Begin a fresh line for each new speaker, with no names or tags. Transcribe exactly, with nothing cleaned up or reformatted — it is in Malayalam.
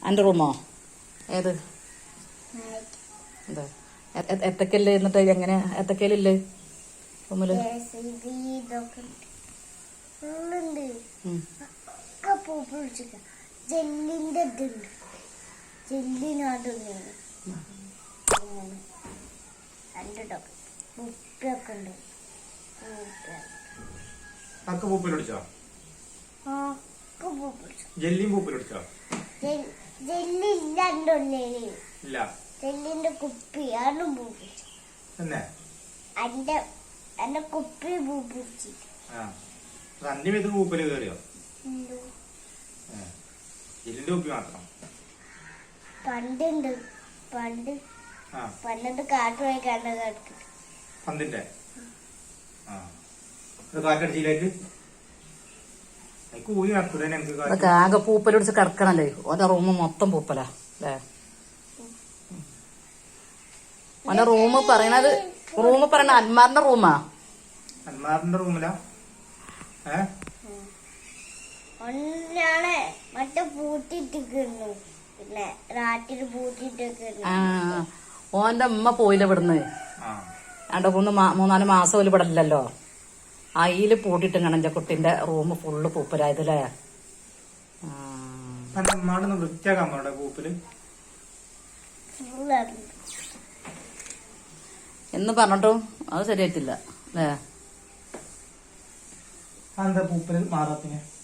എൻ്റെ റൂമോ ഏത് എന്താ എത്തക്കല്ലേ എന്നിട്ട് എങ്ങനെ എത്തക്കയിലില്ലേ റൂമില്
ജെല്ലിന്റെ ജെല്ലിനകത്ത് ഉപ്പൊക്കെ ഉണ്ട്. ജെല്ലിന്റെ കുപ്പി ആണ് എന്റെ കുപ്പി പൂപ്പിടിച്ചു. പണ്ടുണ്ട് പണ്ട് പണ്ടത് കാട്ടു പോയി കണ്ട
പന്തിന്റെ കാറ്റടിച്ചില്ലേക്ക്
ആകെ പൂപ്പലൊടിച്ച് കിടക്കണല്ലേ. ഓന്റെ റൂം മൊത്തം പൂപ്പലാ അല്ലേ. ഓന്റെ റൂം പറയണത് റൂം പറയണ അന്മാറിന്റെ റൂമാ.
അന്മാറിന്റെ റൂമിലാ
മറ്റേ പൂട്ടിട്ടിരിക്കുന്നു. പിന്നെ രാത്രി പൂട്ടിട്ടൊക്കെ.
ആ ഓന്റെ അമ്മ പോയില്ല ഇവിടുന്ന്. രണ്ട് മൂന്ന് മൂന്നാല് മാസം പോലും ഇവിടെ ഇല്ലല്ലോ. അയില് പൂട്ടിട്ടും കണഞ്ച കുട്ടിന്റെ റൂം ഫുള്ള് പൂപ്പലായതല്ലേ. എന്ന് പറഞ്ഞിട്ടും അത് ശരിയായിട്ടില്ല അല്ലേ.
പൂപ്പല് മാറാത്തിന്